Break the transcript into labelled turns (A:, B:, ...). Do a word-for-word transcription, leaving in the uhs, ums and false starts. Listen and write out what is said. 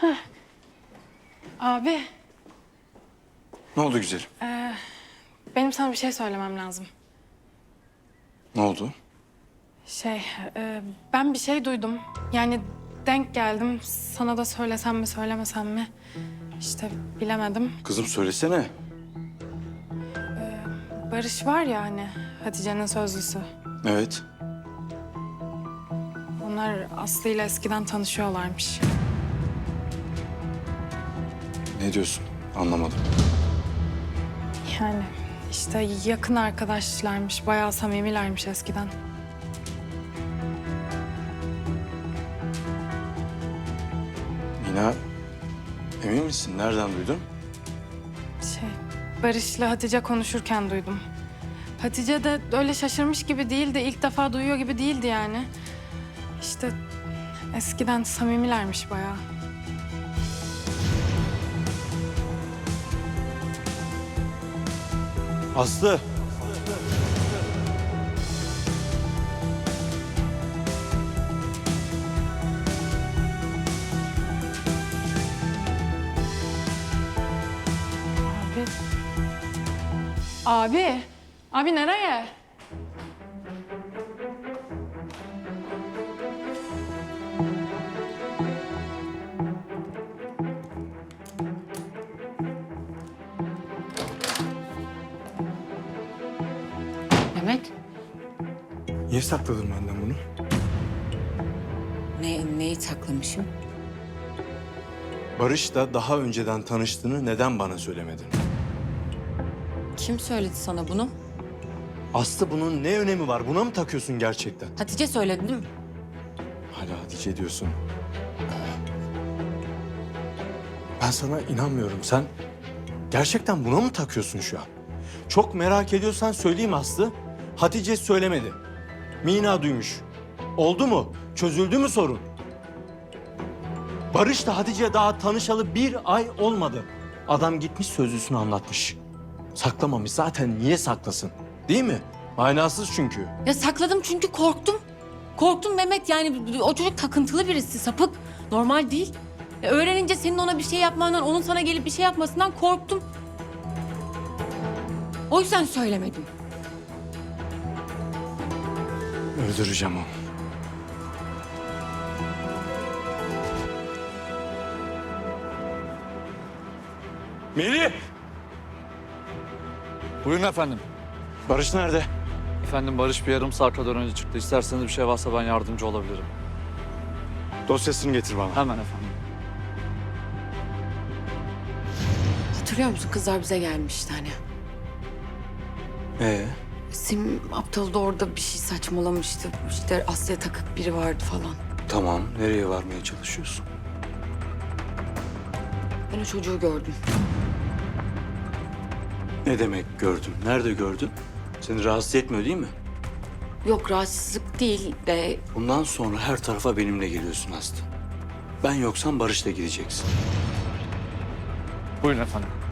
A: Abi,
B: Ne oldu güzelim?
A: benim sana bir şey söylemem lazım.
B: Ne oldu?
A: Şey, e, ben bir şey duydum. Yani denk geldim. Sana da söylesem mi, söylemesem mi? İşte bilemedim.
B: Kızım söylesene.
A: Barış var ya hani, Hatice'nin sözlüsü.
B: Evet.
A: Onlar Aslı ile eskiden tanışıyorlarmış.
B: Ne diyorsun? Anlamadım.
A: Yani işte yakın arkadaşlarmış, bayağı samimilermiş eskiden.
B: Mina, emin misin? Nereden duydun?
A: Şey, Barış'la Hatice konuşurken duydum. Hatice de öyle şaşırmış gibi değildi, ilk defa duyuyor gibi değildi yani. İşte eskiden samimilermiş bayağı.
B: Aslı.
A: Abi. Abi. Abi nereye?
C: Mehmet,
B: Niye sakladın benden bunu?
C: ne, neyi saklamışım?
B: Barış'la daha önceden tanıştığını neden bana söylemedin?
C: Kim söyledi sana bunu?
B: Aslı bunun ne önemi var? Buna mı takıyorsun gerçekten?
C: Hatice söyledi değil mi?
B: Hala Hatice diyorsun. Ben sana inanmıyorum. Sen gerçekten buna mı takıyorsun şu an? Çok merak ediyorsan söyleyeyim Aslı. Hatice söylemedi. Mina duymuş. Oldu mu? Çözüldü mü sorun? Barış'la Hatice daha tanışalı bir ay olmadı. Adam gitmiş sözlüsünü anlatmış. Saklamamış. Zaten niye saklasın? Değil mi? Manasız çünkü.
C: Ya sakladım çünkü korktum. Korktum Mehmet, yani o çocuk takıntılı birisi, sapık. Normal değil. Ya öğrenince senin ona bir şey yapmandan, onun sana gelip bir şey yapmasından korktum. O yüzden söylemedim.
B: Öldüreceğim onu. Melih!
D: Buyurun efendim.
B: Barış nerede?
D: Efendim Barış bir yarım saat kadar önce çıktı. İsterseniz bir şey varsa ben yardımcı olabilirim.
B: Dosyasını getir bana.
D: Hemen efendim.
C: Hatırlıyor musun, kızlar bize gelmişti hani.
B: Ee?
C: Sim aptal da orada bir şey saçmalamıştı. İşte Aslı'ya takık biri vardı falan.
B: Tamam. Nereye varmaya çalışıyorsun?
C: Ben o çocuğu gördüm.
B: Ne demek gördün? Nerede gördün? Seni rahatsız etmiyor değil mi?
C: Yok, rahatsızlık değil de
B: Bundan sonra her tarafa benimle geliyorsun Aslı. Ben yoksam Barış'la gideceksin.
D: Buyurun efendim.